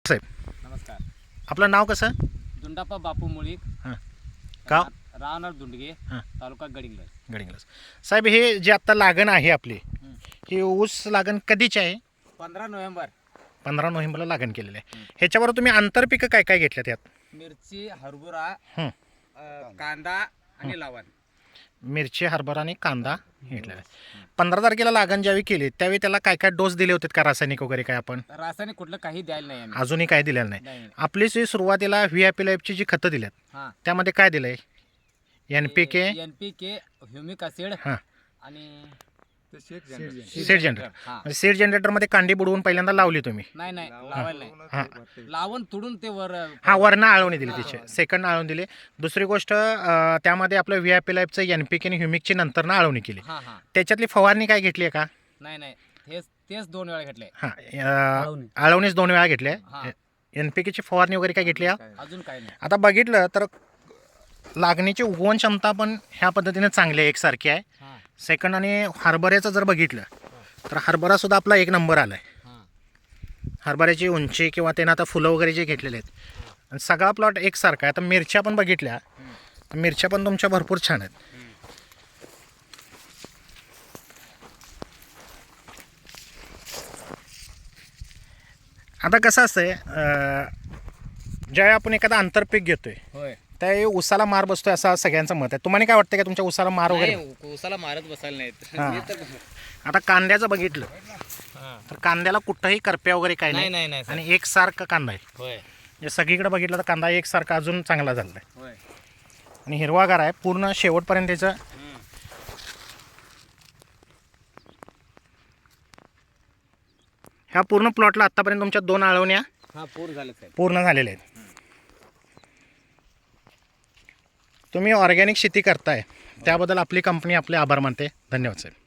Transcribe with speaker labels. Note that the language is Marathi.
Speaker 1: साहेब,
Speaker 2: नमस्कार.
Speaker 1: आपलं नाव कसं?
Speaker 2: दुंडाप्पा बापू मुळीक,
Speaker 1: हां, गाव
Speaker 2: राहणार दुंडगे,
Speaker 1: हां,
Speaker 2: तालुका गडिंग्लज.
Speaker 1: गडिंग्लज. साहेब, हे जे आत्ता लागण आहे आपली, ही ऊस लागण कधीची आहे?
Speaker 2: 15 नोव्हेंबर.
Speaker 1: 15 नोव्हेंबरला लागण केलेली आहे. ह्याच्यावर तुम्ही आंतरपिकं काय काय घेतल्यात यात?
Speaker 2: मिरची, हरभरा,
Speaker 1: हं,
Speaker 2: कांदा आणि लवण.
Speaker 1: मिरची, हरभरा आणि कांदा घेतलेला आहे. 15 तारखेला लागण ज्यावेळी केली त्यावेळी त्याला काय काय डोस दिले होते का, रासायनिक वगैरे काय आपण?
Speaker 2: रासायनिक कुठलं काही द्यायला नाही आम्ही.
Speaker 1: अजूनही काय दिलेलं नाही.
Speaker 2: नाही.
Speaker 1: आपली जी सुरुवातीला VIP लाईफची जी खतं दिल्यात
Speaker 2: हां.
Speaker 1: त्यामध्ये काय दिलं आहे? NPK,
Speaker 2: NPK, ह्युमिक ॲसिड
Speaker 1: हां,
Speaker 2: आणि
Speaker 1: सीड जनरेटर.
Speaker 2: हां.
Speaker 1: म्हणजे सीड जनरेटरमध्ये कांडी बुडवून पहिल्यांदा लावली तुम्ही?
Speaker 2: नाही लावायला नाही.
Speaker 1: हां
Speaker 2: लावून तुडून ते वर.
Speaker 1: हां, वरनं आळवणी दिली तिचे, सेकंड आळवणी दिली. दुसरी गोष्ट त्यामध्ये आपलं VIP लाईफचं NPK आणि ह्युमिकची नंतरनं आळवणी केली.
Speaker 2: हां हां.
Speaker 1: त्याच्यातली फवारणी काय घेतली आहे का?
Speaker 2: नाही तेच 2 वेळा घेतले.
Speaker 1: हां, आळवणीच 2 वेळा घेतली
Speaker 2: हां.
Speaker 1: आहे. NPKची फवारणी वगैरे काय घेतली आहे?
Speaker 2: अजून काही नाही.
Speaker 1: आता बघितलं तर लागणीची उगवण क्षमता पण ह्या पद्धतीने चांगली आहे, एकसारखी आहे.
Speaker 2: हां
Speaker 1: सेकंड आणि हरभऱ्याचं जर बघितलं तर हरभरासुद्धा आपला 1 नंबर आला आहे.
Speaker 2: हां.
Speaker 1: हरभऱ्याची उंची किंवा त्यानं आता फुलं वगैरे जे घेतलेले आहेत आणि सगळा प्लॉट एकसारखा आहे. आता मिरच्या पण बघितल्या तर मिरच्या पण तुमच्या भरपूर छान आहेत. आता कसं असतंय, ज्यावेळी आपण एखादा आंतरपीक घेतोय
Speaker 2: होय.
Speaker 1: त्यावेळी उसाला मार बसतोय असं सगळ्यांचं मत आहे. तुम्हाला काय वाटतं का तुमच्या उसाला मार वगैरे?
Speaker 2: नाही, उसाला मारत बसायला नाहीत.
Speaker 1: हां.
Speaker 2: मी तर
Speaker 1: आता कांद्याचं बघितलं
Speaker 2: हां.
Speaker 1: तर कांद्याला कुठंही करप्या वगैरे काय
Speaker 2: नाही
Speaker 1: नाही
Speaker 2: नाही सर.
Speaker 1: आणि एकसारखा कांदा आहे.
Speaker 2: होय
Speaker 1: म्हणजे सगळीकडे बघितलं तर कांदा एकसारखा अजून चांगला झाला आहे
Speaker 2: होय.
Speaker 1: आणि हिरवागार आहे पूर्ण शेवटपर्यंत. त्याचं ह्या पूर्ण प्लॉटला आत्तापर्यंत तुमच्या 2 आळवण्या
Speaker 2: हां पूर्ण झालं साहेब.
Speaker 1: पूर्ण झालेल्या आहेत. तुम्ही ऑर्गॅनिक शेती करताय त्याबद्दल आपली कंपनी आपले आभार मानते. धन्यवाद साहेब.